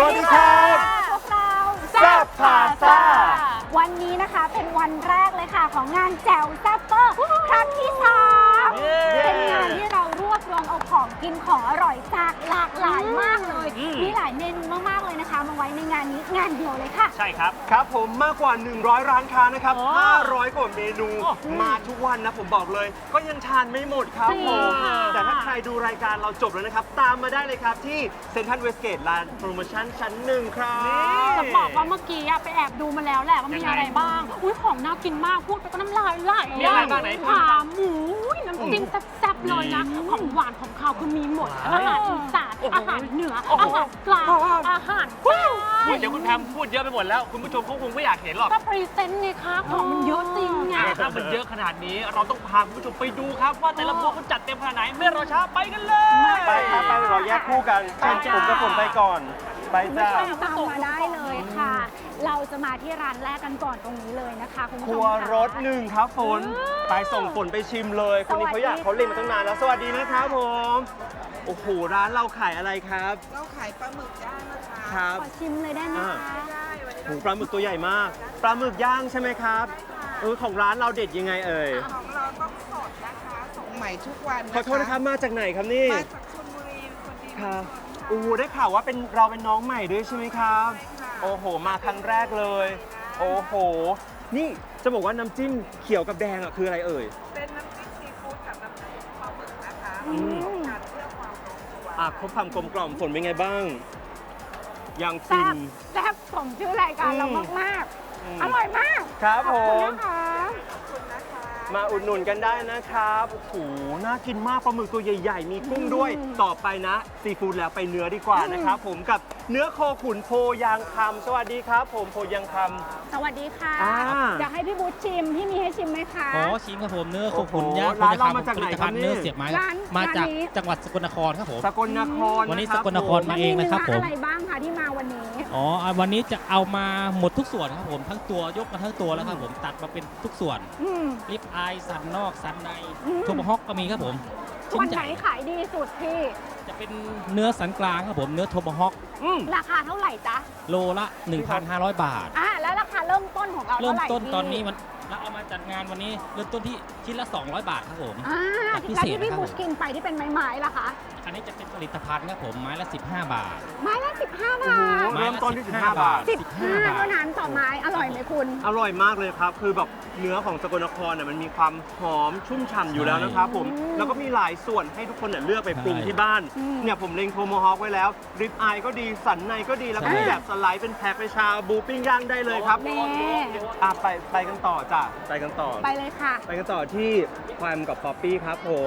วัสดีครับพวกเราแซ่บพาซ่าวันนี้นะคะเป็นวันแรกเลยค่ะของงานแจ่วแซ่บเปอร์ครั้งที่3เป็นงานที่เรารวบรวมเอาของกินของอร่อยจากหลากหลายมากเลยมีหลายเมนูมากๆเลยนะคะมาไว้ในงานนี้งานเดียวเลยค่ะใช่ครับครับผมมากกว่า 100 ร้านค้านะครับ 500 กว่าเมนู มาทุกวันนะผมบอกเลย ก็ยังทานไม่หมดครับผมแต่ถ้าใครดูรายการเราจบแล้วนะครับ ตามมาได้เลยครับที่เซ็นทรัลเวสเกตลานโปรโมชั่นชั้น 1 ครับจะบอกว่าเมื่อกี้ไปแอบดูมาแล้วแหละว่ามีอะไรบ้าง อุ้ยของน่ากินมากพูดไปก็น้ำลายไหลมีอะไรบ้างไหนขาหมูน้ำจิ้มแซ่บๆเลยนะ ของหวานของข้าวคือมีหมด อาหารอีสานอาหารเหนืออาหารกลางอาหารใต้เดี๋ยวคุณแพมพูดเยอะไปหมดแล้ว คุณผู้ชมเขาคงไม่อยากเห็นหรอกก็พรีเซนต์ไงคะของมันเยอะจริงไงถ้ามันเยอะขนาดนี้เราต้องพาคุณผู้ชมไปดูครับว่าแต่ละพวกเขาจัดเต็มขนาดไหนไม่รอช้าไปกันเลยไปครับไปเราแยกคู่กันผมกับผมไปก่อน ไปคุณผู้จ้าชมตามมาได้เลยค่ะ เราจะมาที่ร้านแรกกันก่อนตรงนี้เลยนะคะคุณผู้คชมรัวค่ะรสหนึ่งครับฝนไปส่งฝนไปชิมเลยคนนี้เขาอยากเขาเล่นมาตั้งนานแล้วสวัสดีนะครับผมโอ้โหร้านเราขายอะไรครับเราขายปลาหมึกย่างนะคะครับขอชิมเลยได้ไหมคะได้วันนี้โอ้โหปลาหมึกตัวใหญ่มากปลาหมึกย่างใช่ไหมครับของร้านเราเด็ดยังไงเอ่ยของเราต้องสดนะคะส่งใหม่ทุกวันนะคะขอโทษนะครับมาจากไหนครับนี่มาจากชลบุรีคนดีครับโอ้โหได้ข่าวว่าเราเป็นน้องใหม่ด้วยใช่ไหมครับใช่ค่ะโอ้โหมาครั้งแรกเลย โอ้โหนี่จะบอกว่าน้ำจิ้มเขียวกับแดงอ่ะคืออะไรเอ่ยเป็นน้ำจิ้มซีฟู้ดกับน้ำจิ้มปลาหมึกนะคะอืมการเพื่อความลงตัวครบความกลมกล่อมฝนเป็นไงบ้างยังฟิแซ่นบแซ่บสมชื่อรายการเรามากๆ อร่อยมากครับผขอบคุณมนะคะขอบคุณนะคะมาอุดหนุนกันได้นะครับโอ้โหน่ากินมากปลาหมึกตัวใหญ่ ๆ มีกุ้งด้วย ต่อไปนะซีฟู้ดแล้วไปเนื้อดีกว่านะครับผมกับเนื้อโคขุนโพยางคำสวัสดีครับ ผมโพยางคสวัสดีค่ะอ่าอยากให้พี่บูธชิมพี่มีให้ชิมไหมคะขอชิมครับผมเนื้อโคขุนโอ้โหย่างร้านเราคุณมาจากไหนผลิตครัภับณฑ์นี่เนื้อเสียบไม้ร้านมาจากร้านนี้จังหวัดสกลนครครับผมำสกลนครวันนี้ะครับสกลนครผมมาเองนะครับผมอะไรบ้างคะที่มาวันนี้อ๋อวันนี้จะเอามาหมดทุกส่วนครับผมทั้งตัวยกมาทั้งตัวแล้วครับผมตัดมาเป็นทุกส่วนอืมลิปอายสันนอกสันในอืมทูบฮอกก็มีครับผมชิ้วันนไหนใหญ่ขายดีสุดพี่จะเป็นเนื้อสันกลางครับผมเนื้อโทบฮอกราคาเท่าไหร่จ๊ะโลละ 1,500 บาทแล้วราคาเริ่มต้นของเราเริ่เท่าม ไหร่ต้นพี่ตอนนี้มันเราเอามาจัดงานวันนี้เริ่มต้นที่ชิ้นละ 200 บาทครับผม แบบพิแล้วเศษที่พี่นะครับบูธกินไปที่เป็นไม้ๆล่ะคะอันนี้จะเป็นผลิตภัณฑ์ครับผมไม้ละ 15 บาทไม้ละ15 บาทเริ่มต้นที่15 บาท 15เท่านั้นต่อไม้อร่อยไหมคุณอร่อยมากเลยครับ คือแบบเนื้อของสกลนครเนี่ยมันมีความหอมชุ่มฉ่ำอยู่แล้วนะครับผม แล้วก็มีหลายส่วนให้ทุกคนเนี่ยเลือกไปปรุงที่บ้านอืมเนี่ยผมเล็งโทโมฮอคไว้แล้ว ริบอายก็ดี สันในก็ดี แล้วก็ใช่มีแบบสไลด์เป็นแพ็คไปชาบูปิ้งย่างได้เลยครับแน่ไปกันต่อจ้ะ ไปกันต่อไปเลยค่ะไปกันต่อที่แควมกับป๊อปปี้ครับผม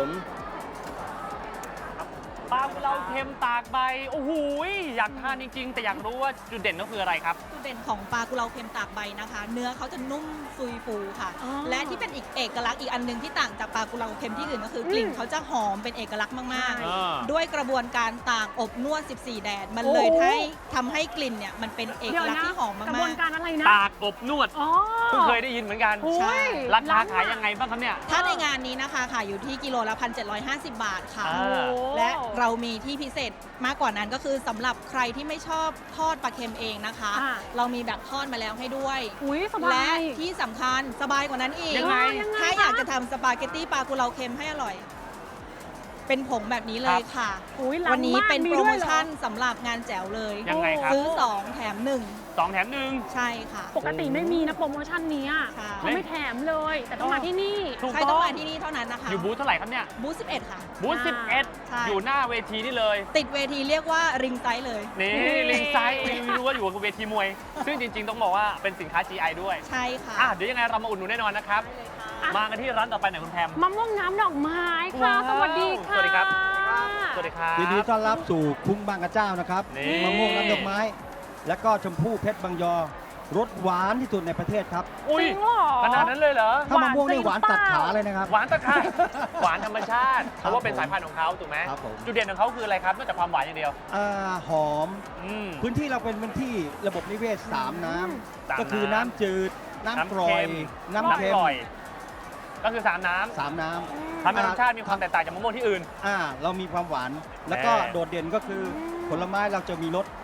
ปลากุเลาเค็มตากใบ โอ้โหอยากทานจริงๆ แต่อยากรู้ว่าจุดเด่นก็คืออะไรครับจุดเด่นของปลากุเลาเค็มตากใบนะคะ เนื้อเขาจะนุ่มซุยฟูค่ะอ๋อและที่เป็นอีกเอกลักษณ์อีกอันหนึงที่ต่างจากปลากุเลาเค็มที่อื่นก็คือกลิ่นเขาจะหอมเป็นเอกลักษณ์มากอ่าๆ ด้วยกระบวนการตากอบนวด 14 แดด มันเลยโอ้ทำให้กลิ่นเนี่ยมันเป็นเอกเดี๋ยวลักษณ์นะที่หอมกระบวมาน กการอะไรนะตากอบนวดอ๋อเพิ่งเคยได้ยินเหมือนกันโอ้ยราคาขายยังไงบ้างครับเนี่ยๆ ถ้าในงานนี้นะคะขายอยู่ที่กิโลละ 1,750 บาทค่ะอ่าและเรามีที่พิเศษมากกว่านั้นก็คือสำหรับใครที่ไม่ชอบทอดปลาเค็มเองนะคะอ่าเรามีแบบทอดมาแล้วให้ด้วยอุ้ยสบาและยที่สำคัญสบายกว่านั้นอีกยังไงถ้าอยากจะทำสปาเกตตี้ปลากุเลาเค็มให้อร่อย เป็นผงแบบนี้เลยค่ะอุ๊ยล้ำวันนี้มากเป็นมีโปรด้โมวยเหรอชั่นสำหรับงานแจ๋วเลยยังไงครับซื้อ 2 แถม 2 แถม 1 1 ใช่ค่ะปกติไม่มีนะโปรโมชั่นนี้อะค่ะเขาไม่แถมเลย แต่ต้องมาที่นี่ถูกใช่ต้ต้ออง งมาที่นี่เท่านั้นนะคะอยู่บูธเท่าไหร่ครับเนี่ยบูธ11 ค่ะบูธใช่ 11 อยู่หน้าเวทีนี่เลยติดเวทีเรียกว่าริงไซส์เลยนี่ ลิงไซด์ไม่รู้ว่าอยู่กับเวทีมวย ซึ่งจริงๆ ต้องบอกว่าเป็นสินค้า GI ด้วยใช่ค่ะเดี๋ยวยังไงเรามาอุดหนุนแน่นอนนะครับ มากันที่ร้านต่อไปหน่อยคุณแพมมะม่วงน้ำดอกไม้ค่ะว้าวสวัสดีค่ะสวัสดีครับ สวัสดีครับยินดีต้อนรับสู่คุ้งบางกระเจ้านะครับนี่มะม่วงน้ำดอกไม้ และก็ชมพู่เพชรบางยอรสหวานที่สุดในประเทศครับอุ้ยจริงเหรอขนาดนั้นเลยเหรอถ้ามะม่วงนี่หวานจริงตัดเปล่าขาเลยนะครับหวานตะไคร้หวานธรรมชาติ เพราะว่าเป็นสายพันธุ์ของเขาถูกไหมครับผมจุดเด่นของเขาคืออะไรครับ นอกจากความหวานอย่างเดียวหอมอืมพื้นที่เราเป็นพื้นที่ระบบนิเวศ 3 น้ำสามก็คือน้ำน้ำจืด น้ำกร่อย น้ำน้ำเค็มกร่อย ก็คือ 3 น้ำ 3 น้ทำให้รสชาติมีความแตกต่างจากมะม่วงที่อื่นำเรามีความหวาน แล้วก็แน่โดดเด่นก็คือผลไม้เราจะมีรส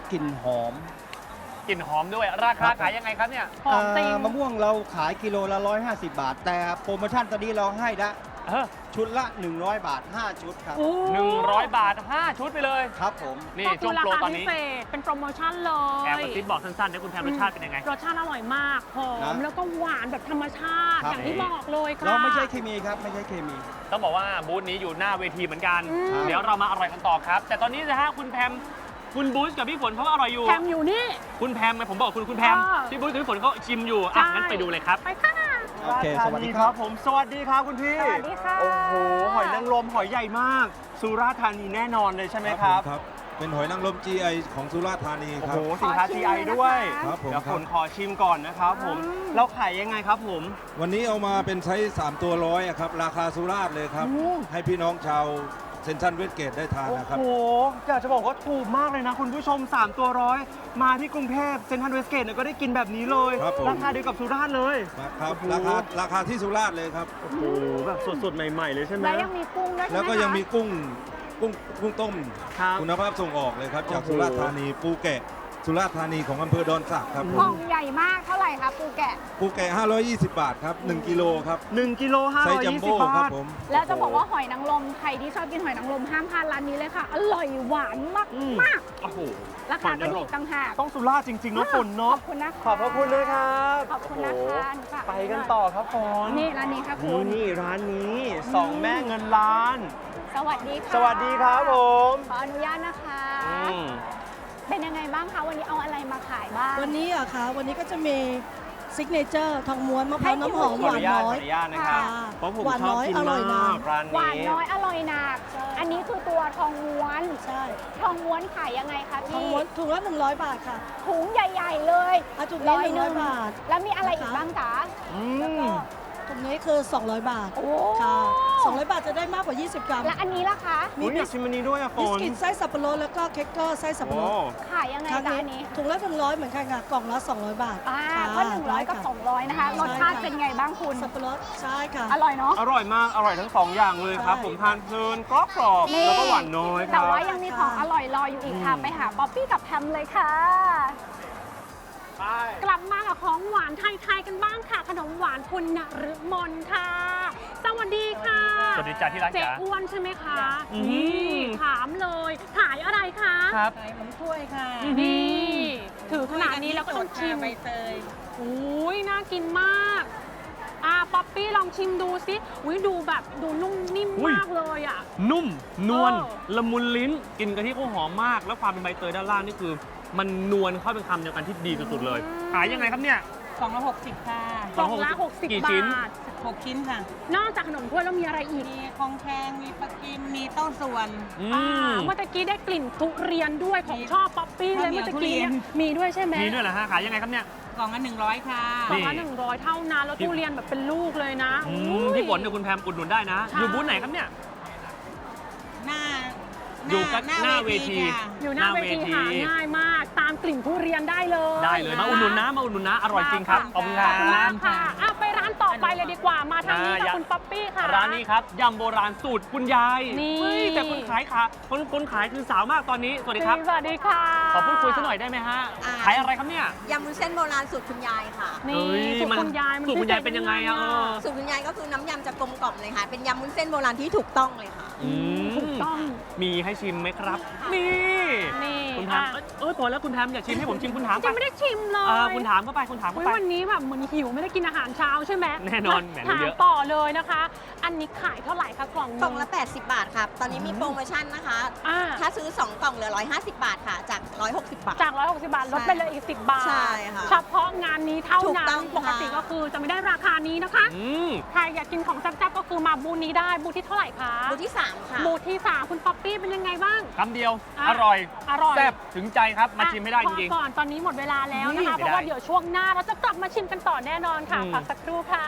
กลิ่นหอมกลิ่นหอมด้วย ราคาขายยังไงครับเนี่ยหอมจริงมะม่วงเราขายกิโลละ 150 บาท แต่โปรโมชั่นตอนนี้เราให้ละเออชุดละ 100 บาท 5 ชุดครับโอ้ 100 บาท 5 ชุดไปเลยครับผมนี่ก็ช่วงราโปรคาตอนพินี้เศษเป็นโปรโมชั่นเลแอบยกระซิบบอกสั้นๆนะคุณแพมรสชาติเป็นยังไงรสชาติอร่อยมากหอมนะแล้วก็หวานแบบธรรมชาติครับอย่างที่บอกเลยค่ะเราไม่ใช่เคมีครับ ไม่ใช่เคมีต้องบอกว่าบูธนี้อยู่หน้าเวทีเหมือนกันอืมเดี๋ยวเรามาอร่อยกันต่อครับ แต่ตอนนี้นะฮะคุณแพมคุณบูธกับพี่ฝนเขาก็อร่อยอยู่แถมอยู่นี่คุณแพมไงผมบอกคุณแพมอ่าพี่บูธกับพี่ฝนเขาชิมอยู่อ่ะใช่งั้นไปดูเลยครับไปค่ะโอเคราสธาวัสนีดีครับผม สวัสดีครับคุณพี่สวัสดีค่ะโอ้โห หอยนางรมหอยใหญ่มาก สุราษฎร์ธานีแน่นอนเลยใช่ไหมครับครับ เป็นหอยนางรม GI ของสุราษฎร์ธานีโอ้ครัโหบสินค้าขอชิม GI เลยนะคะด้วยครับผมเดี๋ยวครัฝบนขอชิมก่อนนะครับผม เราขายยังไงครับผมวันนี้เอามาเป็นไซส์3ตัวร้อยอะครับ ราคาสุราษฎร์เลยครับ ให้พี่น้องชาวเซ็นทรัลเวสเกตได้ทานโอ้นะครับโห อยากจะบอกว่าถูกมากเลยนะ คุณผู้ชม 3 ตัวร้อย มาที่กรุงเทพเซ็นทรัลเวสเกตเนี่ยก็ได้กินแบบนี้เลยครับผมราคาเดียวกับสุราษฎร์เลยครับโอ้โหราคาที่สุราษฎร์เลยครับโอ้โห แบบสดๆ ใหม่ ๆ เลยใช่ไหมแล้วยังมีกุ้งด้วยใช่ไหมแล้วก็ยังมีคะกุ้งต้มครับคุณภาพส่งออกเลยครับ จากโอ้โหสุราษฎร์ธานีปูแกะ สุราษฎร์ธานีของอำเภอดอนสักครับผกล่มองใหญ่มากเท่าไหร่คะปูแกะปูแกะ520 บาทครับ 1 กิโลครับ 1 กิโลไซส์จัมโบ้ 520 บาครับทผมแล้วจะบอกว่าหอยนางรมใครที่ชอบกินหอยนางรมห้ามพลาดร้านนี้เลยค่ะ อร่อยหวานมากอืมมากโอ้โหราคาก็ถูกต่างหากต้องสุราษฎร์จริงๆเนาะฝนขเนาะอบคุณนะคะขอบพระคุณเลยครับขอบคุณนะคะหนูฝากไปกันต่อครับฝนนี่ร้านนี้ค่ะคุณนี่ร้านนี้สองแม่เงินล้านสวัสดีค่ะสวัสดีครับผมขออนุญาตนะคะอืมเป็นยังไงบ้างคะวันนี้เอาอะไรมาขายบ้างวันนี้เหรอะคะวันนี้ก็จะมีซิกเนเจอร์ทองม้วนมะพร้าวน้ำหอมขหออวานนุญาตน้ขออย อนุญาตนะครับค่ะเพราะผมหวานชอบน้อยกินอร่มาอยนะกร้านหวานนี้น้อยอร่อยหนัก อันนี้คือตัวทองม้วนใช่ทองม้วนขายยังไงคะทองพี่ม้วนถุงละ100 บาทค่ะถุงใหญ่ ๆ เลยเอาถุงนี้หนึ่ง 100 บาทแล้วมีอะไรอีกบ้างจ๊ะอืมถุงนี้คือ 200 บาทโอ้ค่ะ200 บาทจะได้มากกว่า 20 กรัมและอันนี้ล่ะคะอุ๊ยอยากชิมอันนี้ด้วยอะฝบิสนกิตไส้สับปะรดแล้วก็เค้กเกอร์ไส้สับปะรโอ้ดขายยังไงครั้งจ๊ะนี้อันนี้ถุงละ100เหมือนกันค่ะกล่องละ200 บาทอ่าค่ะก็100กับได้ค่ะ 200นะคะใช่รสชาติค่ะเป็นไงบ้างคุณสับปะรดใช่ค่ะอร่อยเนาะอร่อยมาก อร่อยทั้งสองอย่างเลยครับใช่ผมทานเพลินกรอบนี่แล้วก็หวานน้อยคแต่รับว่ายังมีของอร่อยรออยู่อีกค่ะ ไปหาป๊อปปี้กับแพมเลยค่ะไปกลับมากับของหวานไทยๆกันบ้างค่ะ ขนมหวานคุณนฤมลค่ะ สวัสดีค่ะสวัสดีจ้าที่รักเจ๊จ๋าอ้วนใช่ไหมคะอืมนี่ถามเลยขายอะไรคะครับขายขนมถ้วยค่ะนี่ถือขนาดนี้แล้วก็ต้องชิมใบเตยอุ้ยน่ากินมากป๊อปปี้ลองชิมดูสิอุ้ยดูแบบดูนุ่มนิ่มอุ้ยมากเลยอ่ะนุ่ม นวลเออละมุนลิ้น กินกะทิเขาหอมมาก แล้วความเป็นใบเตยด้านล่างนี่คือ มันนวลเข้าเป็นคำเดียวกันที่ดีสุดๆเลย ขายยังไงครับเนี่ยกล่องละ60 ค่ะกล่องละ60 กี่บชิ้นาท 6 ชิ้นค่ะนอกจากขนมถ้วยแล้วมีอะไรอีกมีคองแคงมีปลากิม มีเต้าส่วนอืมเมื่อตะกี้ได้กลิ่นทุเรียนด้วยของชอบป๊อปปี้เลยข้าวเหนีเมื่ยวอตะกี้เนี่ยทุเรียนมีด้วยใช่ไหมมีด้วยเหรอฮะ ขายยังไงครับเนี่ยกล่องละ100 ค่ะกล่องละนี่ 100 เท่านั้นแล้วทุเรียนแบบเป็นลูกเลยนะอือุ้มยพี่ฝนกับคุณแพมอุดหนุนได้นะใช่อยู่บูธไหนครับเนี่ยหน้าอยู่หน้าเวทีค่ะอยู่หน้าเวทีหาง่ายมาก ตามกลิ่นทุเรียนได้เลยได้เลย มาอุดหนุนนะ มาอุดหนุนนะ อร่อยจริงครับ ขอบคุณคขรัอบคุณมาบกค่ะไปร้านต่อไปเลยดีกว่า มาทางนี้อ่ากับคุณป๊อปปี้ค่ะร้านนี้ครับยำโบราณสูตรคุณยายนี่เฮ้ยแต่คนขายคนขายคือสาวมากตอนนี้ สวัสดีครับสวัสดีค่ะขอพูดคุยสักหน่อยได้ไหมฮะ ขายอะไรครับเนี่ยยำวุ้นเส้นโบราณสูตรคุณยายค่ะนี่เอ้ยสูตรคุณยายมันสูตรคุณยายเป็นยังไงอะสูตรคุณยายก็คือน้ำยำจะกลมกล่อมเลยค่ะ เป็นยำวุ้นเส้นโบราณที่ถูกต้องเลยค่ะอืมถูกต้องมีให้ชิมไหมครับ นี่นี่คุณแพมพอแล้วคุณแพมอยากชิมให้ผมชิมคุณถามยัไปงไม่ได้ชิมเลยคุณถามเข้าไปคุณถามเข้าอุ๊ยไปวันนี้แบบเหมือนหิวไม่ได้กินอาหารเช้าใช่ไหมแน่นอนแหมรู้ถามเยอะต่อเลยนะคะ อันนี้ขายเท่าไหร่คะกล่องกล่องละ 80 บาทครับ ตอนนี้มีโปรโมชั่นนะคะอ่าถ้าซื้อ 2 กล่องเหลือ 150 บาทค่ะ จาก 160 บาทจาก 160 บาทลดไปเลยอีก 10 บาทใช่ค่ะเฉพาะงานนี้เท่าถูกนั้ต้นองปกติค่ะก็คือจะไม่ได้ราคานี้นะคะอืมใครอยากกินของแซ่บๆก็คือมาบูธนี้ได้บูธที่เท่าไหร่คะบูธที่ 3 ค่ะบูธที่ 3 คุณป๊อปปี้เป็นยังไงบ้างคำเดียวอ่ะอร่อยอร่อยแซ่บถึงใจครับ มาชิมให้ได้จริงพอก่อนตอนนี้หมดเวลาแล้วนะคะไม่ได้เพราะว่าเดี๋ยวช่วงหน้าเราจะกลับมาชิมกันต่อแน่นอนค่ะอืมพักสักครู่ค่ะ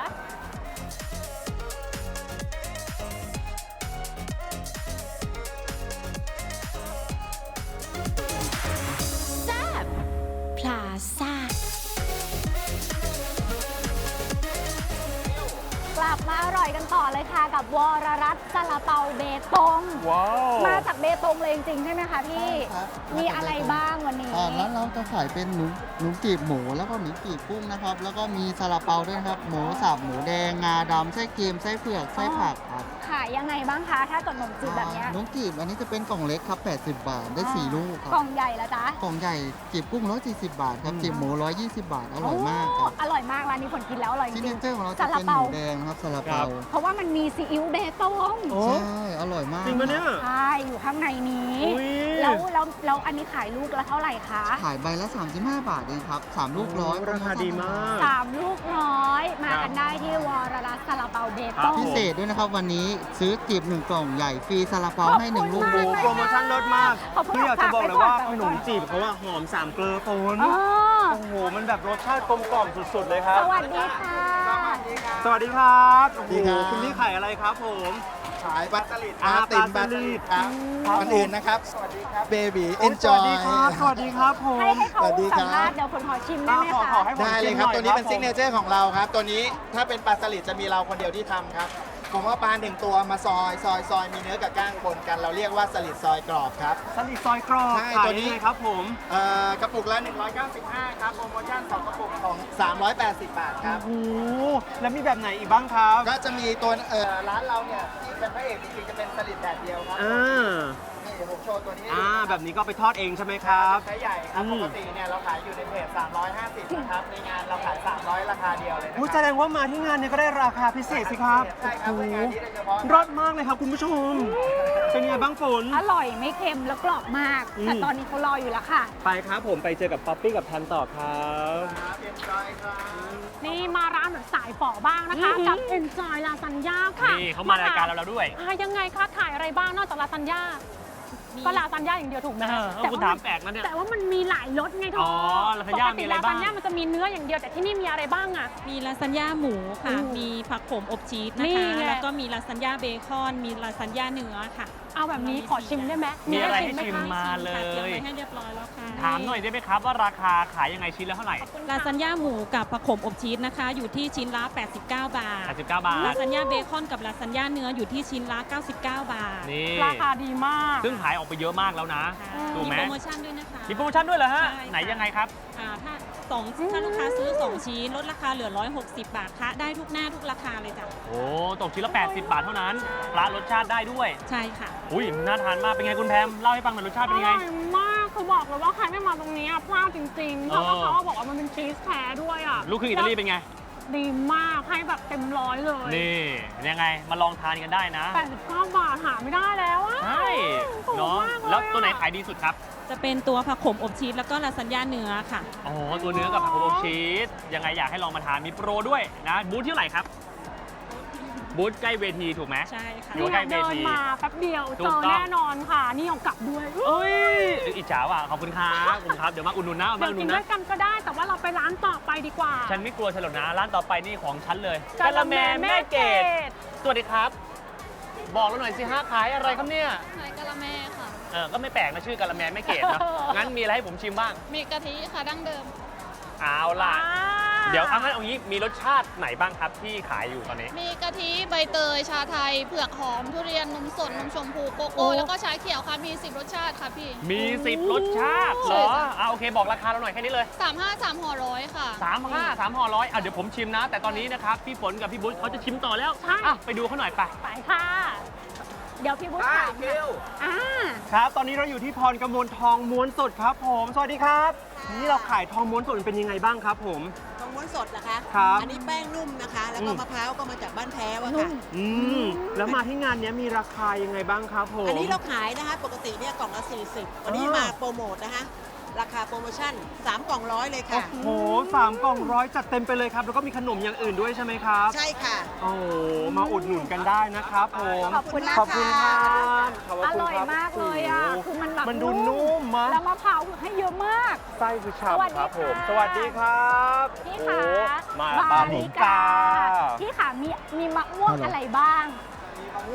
พลาซ่า กลับมาอร่อยกันต่อเลยค่ะกับวรรัตน์ซาลาเปาเบตงว้าวมาจากเบตงเลยจริงๆใช่ไหมคะพี่ครับมีอะไรบ้างวันนี้ร้านเราจะขายเป็นหนูกีบหมูแล้วก็หนูกีบกุ้งนะครับ แล้วก็มีซาลาเปาด้วยนะครับ หมูสับหมูแดงงาดำไส้เค็มไส้เผือกไส้ผักครับขายยังไงบ้างคะ ถ้าเกิดขนมจีบแบบเนี้ยหนูกีบอันนี้จะเป็นกล่องเล็กครับ 80 บาท ได้ 4 ลูกครับกล่องใหญ่ละจ๊ะกล่องใหญ่กีบกุ้ง140 บาทครับกีบหมู120 บาท อร่อยมากครับอร่อยมากร้านนี้ผลกินแล้วอร่อยจซิกริเนงเจอร์ของเราๆจะซาลาเป็นหเปามูแดงนะครับซาลาเปาเพราะว่ามันมีซีอิ๊วเบตงโอ้ใช่ อร่อยมากจริงปะเนี่ยใช่อยู่ข้างในนี้อุ๊ยแล้วอันนี้ขายลูกละเท่าไหร่คะขายใบละ 35 บาทเองครับ 3 ลูกร้อยราคาดีมาก 3 ลูกร้อยมากันได้ที่วรรัตน์ซาลาเปาเบตงพิเศษด้วยนะครับวันนี้ซื้อกีบ1 กล่องใหญ่ฟรีซาลาเปาให้ 1 ลูกโอ้โหโปรโมชั่นลดมากขอบคุณคืออยากจะบอกเลยว่าฝากขไว้นก่อนมจีบเขาว่าหอม3 เกลือฝนอ๋อโอ้โห มันแบบรสชาติกลมกล่อมสุดๆเลยครับสวัสดีค่ะสวัสดีครับโอ้โหสวัสดีครับคุณพี่ขายอะไรครับผมขายปลาสลิดอ่าติ่มปลาสลิดครับครับก่อนอื่นนะครับ สวัสดีครับเบบีโอ้เอ็ยนสจวัอสดีครับยสวัสดีครับผมให้เขาสวัสดีครับสัมภาษณ์เดี๋ยวผลขอชิมได้ไหมขอคะให้ผมได้เลยชิมครับหน่อยตัวนี้เป็นผมซิกเนเจอร์ของเราครับ ตัวนี้ถ้าเป็นปลาสลิดจะมีเราคนเดียวที่ทำครับ ผมเอาปลา1 ตัวมาซอยมีเนื้อกับก้างปนกัน เราเรียกว่าสลิดซอยกรอบครับสลิดซอยกรอบใช่ขายตัวนี้ยังไงครับผมกระปุกละ195 ครับ โปรโมชั่น 2 กระปุกของ380 บาทครับโอ้โหแล้วมีแบบไหนอีกบ้างครับก็จะมีตัวร้านเราเนี่ยที่เป็นพระเอกจริงๆจะเป็นสลิดแดดเดียวครับอ่านี่เดี๋ยวผมโชว์ตัวนี้แบบนี้ก็ไปทอดเองใช่ไหมครับใช้ใหญ่ครับ ปกติเนี่ยเราขายอยู่ในเพจ350นะครับ ในงานเราขาย300ราคาเดียวเลยนะอุ๊ยคแสรับดงว่ามาที่งานเนี่ยก็ได้ราคาพิเศษสิครับใช่ครับโอ้เป็นโหงานนี้โดยเฉพาะรสมากเลยครับคุณผู้ชม เป็นไงบ้างฝนอร่อยไม่เค็มแล้วกรอบมาก แต่ตอนนี้เขารออยู่แล้วค่ะไปครับผมไปเจอกับป๊อปปี้กับทันต่อครับครับเป็นจอยครับนี่มาร้านแบบสายฝ่อบ้างนะคะ กับ Enjoy Lasagna ค่ะนี่เขามารายการเราแล้วด้วยยังไงคะขายอะไรบ้างนอกจากลาซานญ่าก็ลาซานญ่าอย่างเดียวถูกไหมคุณถามแปลกนะเนี่ยแต่ว่ามันมีหลายรสไงเธออ๋อลาซานญ่ามีอะไรบ้างปกติลาซานญ่ามันจะมีเนื้ออย่างเดียวแต่ที่นี่มีอะไรบ้างอะมีลาซานญ่าหมูค่ะอืมมีผักโขมอบชีสนี่นะคะไงแล้วก็มีลาซานญ่าเบคอน มีลาซานญ่าเนื้อค่ะเอาแบบนี้ขอชิมได้ไหมมีอะไรด้ให้ชิมคะมาเลค่ะเตรียมยไว้ให้เรียบร้อยแล้วค่ะถามหน่อยได้ไหมครับว่าราคาขายยังไงชิ้นละเท่าไหร่ลาซานญ่าหมูกับผักโขมอบชีสนะคะ อยู่ที่ชิ้นละ 89 บาท 89 บาลาทซานญ่าเบคอนกับลาซานญ่าเนื้ออยู่ที่ชิ้นละ 99 บาทนี่ราคาดีมากซึ่งขายออกไปเยอะมากแล้วนะ ถูกไหมมีโปรโมชั่นด้วยนะคะมีโปรโมชั่นด้วยเหรอฮะใช่ค่ะไหนยังไงครับถ้าลูกค้าซื้อ 2 ชิ้นลดราคาเหลือ 160 บาทคะได้ทุกหน้าทุกราคาเลยจ้ะโอ้ตกชิ้นละ 80 บาทเท่านั้นปลารสชาติได้ด้วยใช่ค่ะอุ้ยน่าทานมาก เป็นไงคุณแพมเล่าให้ฟังหน่อยรสชาติเป็นยังไงอร่อยมากคือบอกเลยว่าใครไม่มาตรงนี้อะพลาดจริงๆ เพราะว่าเขาบอกว่ามันเป็นชีสแท้ด้วยอ่ะลูกครึ่งอิตาลีเป็นไงดีมากให้แบบเต็มร้อยเลยนี่ยังไงมาลองทานกันได้นะ 89 บาทหาไม่ได้แล้วอะใช่ถูกเนาะมากเลยอะแล้วตัวไหนขายดีสุดครับจะเป็นตัวผักโขมอบชีสแล้วก็ลาซานญ่าเนื้อค่ะโอ้โหตัวเนื้อกับผักโขมชีสยังไงอยากให้ลองมาทานมีโปรด้วยนะบูธที่เท่าไหร่ครับบูธใกล้เวทีถูกไหมใช่ค่ะอยู่เนี่ยใกล้เวเดินทีมาแป๊บเดียวถูเจกอต้องแน่นอนค่ะ นี่เอากลับด้วยเอ้ยอิจฉาว่ะขอบคุณครับขอบคุณครับเดี๋ยวมาอุดหนุนนะมาเดี๋ยวอุดหนุกินนด้วนะยกันก็ได้ แต่ว่าเราไปร้านต่อไปดีกว่าฉันไม่กลัวฉลดนะร้านต่อไปนี่ของฉันเลยกะละแมแม่เกดสวัสดีครับ บอกเราหน่อยสิฮะขายอะไรครับเนี่ยขายกะละแมค่ะก็ไม่แปลกนะชื่อกะละแมแม่เกดนะ งั้นมีอะไรให้ผมชิมบ้างมีกะทิค่ะดั้งเดิมเอาล่ะ เดี๋ยวงั้นเอางี้มีรสชาติไหนบ้างครับที่ขายอยู่ตอนนี้มีกะทิใบเตย ชาไทย เผือกหอม ทุเรียน นมสด นมชมพู โกโก้ แล้วก็ชาเขียวค่ะ มี 10 รสชาติค่ะพี่มี 10 รสชาติเหรอโอเคบอกราคาเราหน่อยแค่นี้เลย 35 3ห่อร้อยค่ะ 3 ห่อร้อยเดี๋ยวผมชิมนะ แต่ตอนนี้นะครับพี่ฝนกับพี่บุ๊ชเขาจะชิมต่อแล้วใช่ไปดูเขาหน่อยไปไปค่ะ เดี๋ยวพี่บุ๊คถามอ่าครับ ตอนนี้เราอยู่ที่พรกมลทองม้วนสดครับผม สวัสดีครับ นี่เราขายทองม้วนสดเป็นยังไงบ้างครับผมทองม้วนสดนะคะครับอันนี้แป้งนุ่มนะคะ แล้วก็มะพร้าวก็มาจากบ้านแพ้วอะค่ะแล้วมาที่งานนี้มีราคายังไงบ้างครับผมอันนี้เราขายนะคะ ปกติเนี่ยกล่องละ 40 วันนี้มาโปรโมทนะคะ ราคาโปรโมชั่น 3 กล่องร้อยเลยค่ะโอ้โห3 กล่องร้อยจัดเต็มไปเลยครับ แล้วก็มีขนมอย่างอื่นด้วยใช่ไหมครับใช่ค่ะโอ้โหมาอุดหนุนกันได้นะครับผมขอบคุณนะคะขอบคุณครับขบอคุณร่อยครับมากเลยอ่ะโโหคือมันแบบมันดูนุ่มมะแล้วมะพร้าวคือให้เยอะมากไส้คือสวัสฉ่ำดีครับผมค่ะสวัสดีครับพี่โอ้ขาโหมาบาปาริริกากาพี่ขามีมะม่วงอะไรบ้างมีมะม่วง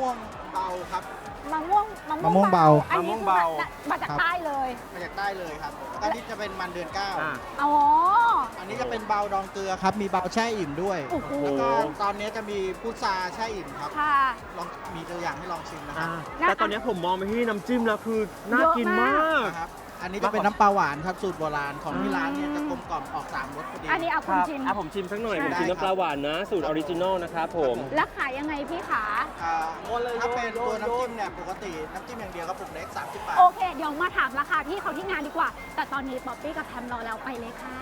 เบาครับมะม่วงมะม่วงเบาอันนี้คือมาจากใต้เลยมาจากใต้เลยครับอันนี้จะเป็นมันเดือนเก้าอ๋ออันนี้จะเป็นเบาดองเกลือครับ มีเบาแช่อิ่มด้วยโอ้โหแล้วก็ตอนนี้จะมีพุทราแช่อิ่มครับค่ะลองมีตัวอย่างให้ลองชิมนะครับแต่ตอนนี้ผมมองไปที่น้ำจิ้มแล้วคือน่ากินมากนะครับ อันนี้จะเป็นน้ำปลาหวานครับสูตรโบราณของที่ร้านเนี่ยจะกลมกล่อมออก3รสพอดีอันนี้เอาคุณชิมผมชิมสักหน่อย ผมได้ชิมครับน้ำปลาหวานนะ สูตรออริจินอลนะครับผมแล้วขายยังไงพี่ขาถ้าเป็นตัวน้ำจิ้มเนี่ยปกติน้ำจิ้มอย่างเดียวกระปุกเล็ก30 บาทโอเค เดี๋ยวมาถามราคาพี่เขาที่งานดีกว่า แต่ตอนนี้ป๊อปปี้กับแพมรอแล้วไปเลยค่ะ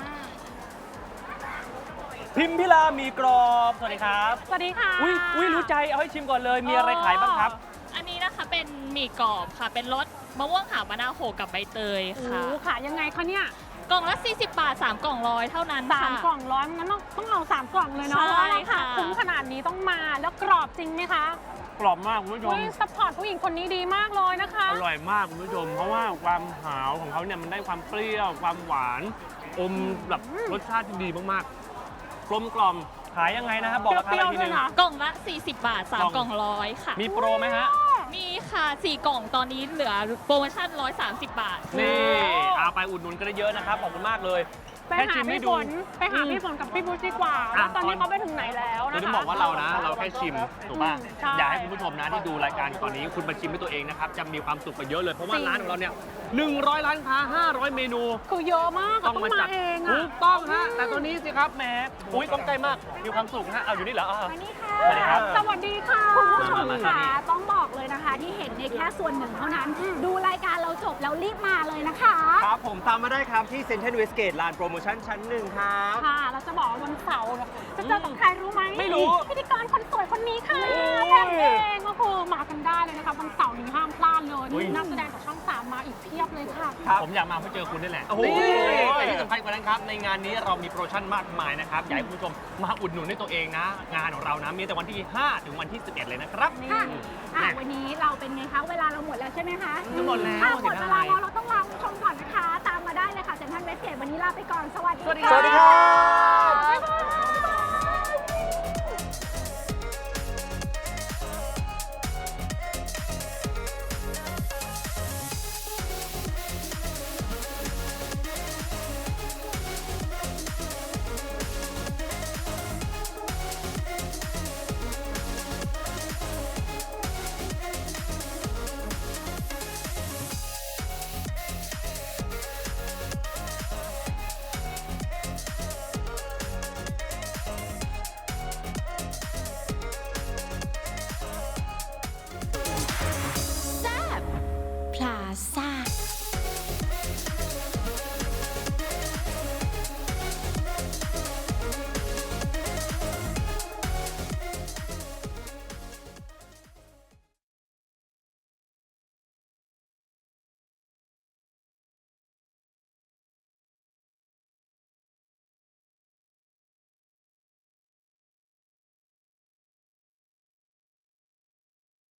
พิมพิลามีกรอบ สวัสดีครับสวัสดีค่ะอุ้ยรู้ใจ เอาให้ชิมก่อนเลย มีอะไรขายบ้างครับอันนี้นะคะเป็นหมี่กรอบค่ะ เป็นรสมะม่วงหาวมะนาวโขกกับใบเตยโอ้ค่ะขายยังไงคะเนี่ยกล่องละ 40 บาท 3 กล่องร้อยเท่านั้นค่ะ 3 กล่องร้อยงั้นต้องเอา 3 กล่องเลยเนาะใช่เพราะราคาค่ะคุ้มขนาดนี้ต้องมาแล้วกรอบจริงไหมคะกรอบมากคุณผู้ชมอุ้ยซัพพอร์ตผู้หญิงคนนี้ดีมากเลยนะคะอร่อยมากคุณผู้ชม เพราะว่าความหาวของเขาเนี่ยมันได้ความเปรี้ยว ความหวาน อมแบบรสชาติที่ดีมากๆ กลมกล่อม ขายยังไงนะครับ บอกราคาอีกทีหนึงกล่องละ 40 บาท 3 กล่องร้อยค่ะมีโปรไหมฮะมีค่ะ 4 กล่องตอนนี้เหลือโปรโมชั่น 130 บาทนี่เอาไปอุดหนุนกันได้เยอะนะครับ ขอบคุณมากเลยไปหาพี่ฝนกับพี่บูธดีกว่าว่าตอนนี้เขาไปถึงไหนแล้วนะคะเราต้องบอกว่าเรานะ เราแค่ชิมถูกป่ะใช่อยากให้คุณผู้ชมนะที่ดูรายการตอนนี้คุณมาชิมด้วยตัวเองนะครับ จะมีความสุขกว่าเยอะเลย เพราะว่าร้านของเราเนี่ย100 ร้านค้า 500 เมนูคือเยอะมากอะต้องมาเองถูอะกต้องฮะ แต่ตัวนี้สิครับแหมอุ้ยต้องใจมาก มีความสุขฮะ เอาอยู่นี่เหรอสวัสดีครับสวัสดีค่ะคุณผู้ชมมาค่ะนี่ต้องบอกเลยนะคะ ที่เห็นในยแค่ส่วนหนึ่งเท่านั้น ดูรายการเราจบแล้วรีบมาเลยนะคะครับผมตามมาได้ครับที่เซ็นทรัลเวสเกตลานโปรโมชั่นชั้น 1 ครับค่ะ เราจะบอกว่าวันเสาร์เนี่ยจะเจอกับใครรู้ไหมไม่รู้พิธีกรคนสวยคนนี้ค่ะแพมเองก็คือมากันได้เลยนะคะวันเสาร์นี้ห้ามพลาดเลยนี่นักแสดงจากช่อง 3 มาอีกเพียบเลยค่ะผมอยากมาเพื่อเจอคุณนี่แหละโอ้โหแต่ที่สำคัญกว่านั้นครับ ในงานนี้เรามีโปรโมชั่นมากมายนะครับ อยากให้คุณผู้ชมมาอุดหนุนด้วยตัวเองนะ งานของเรานะ มีแต่วันที่ 5 ถึงวันที่ 11 เลยนะครับค่ะวันนี้เราเป็นไงคะ เวลาเราหมดแล้วใช่ไหมคะหมดแล้วหมดเวลาแล้วเราต้องลาคุณผู้ชมก่อนนะคะ ตามมาได้เลยค่ะเซ็นทรัลเวสเกตวันนี้ลาไปก่อน สวัสดีสวัสดีครับบ๊ายบาย